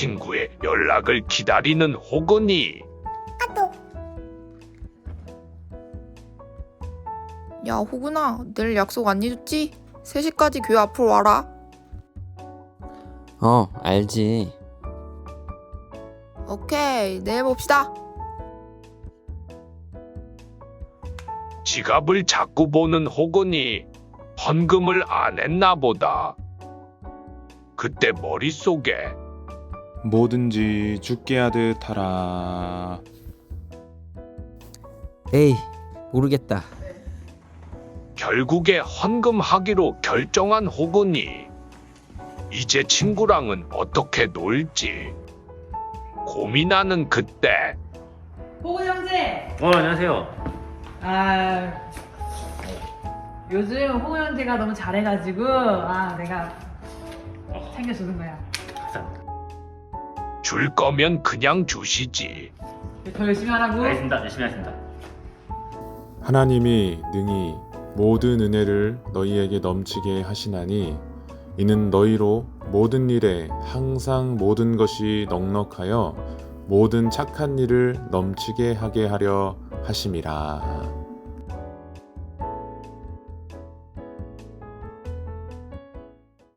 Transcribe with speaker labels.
Speaker 1: 친구의 연락을 기다리는 호건이.
Speaker 2: 야, 호근아, 내일 약속 안 잊었지? 3시까지 교회 앞으로 와라.
Speaker 3: 알지.
Speaker 2: 오케이, 내일 봅시다.
Speaker 1: 지갑을 자꾸 보는 호건이 헌금을 안 했나 보다. 그때 머릿속에
Speaker 4: 뭐든지 죽게 하듯 하라.
Speaker 3: 에이, 모르겠다.
Speaker 1: 결국에 헌금하기로 결정한 호건이 이제 친구랑은 어떻게 놀지 고민하는 그때
Speaker 5: 호근 형제!
Speaker 6: 안녕하세요.
Speaker 5: 요즘 호근 형제가 너무 잘해가지고 내가 챙겨주는 거야.
Speaker 1: 줄 거면 그냥 주시지.
Speaker 5: 더 열심히 하라고.
Speaker 6: 알겠습니다. 열심히 하겠습니다.
Speaker 4: 하나님이 능히 모든 은혜를 너희에게 넘치게 하시나니 이는 너희로 모든 일에 항상 모든 것이 넉넉하여 모든 착한 일을 넘치게 하게 하려 하심이라.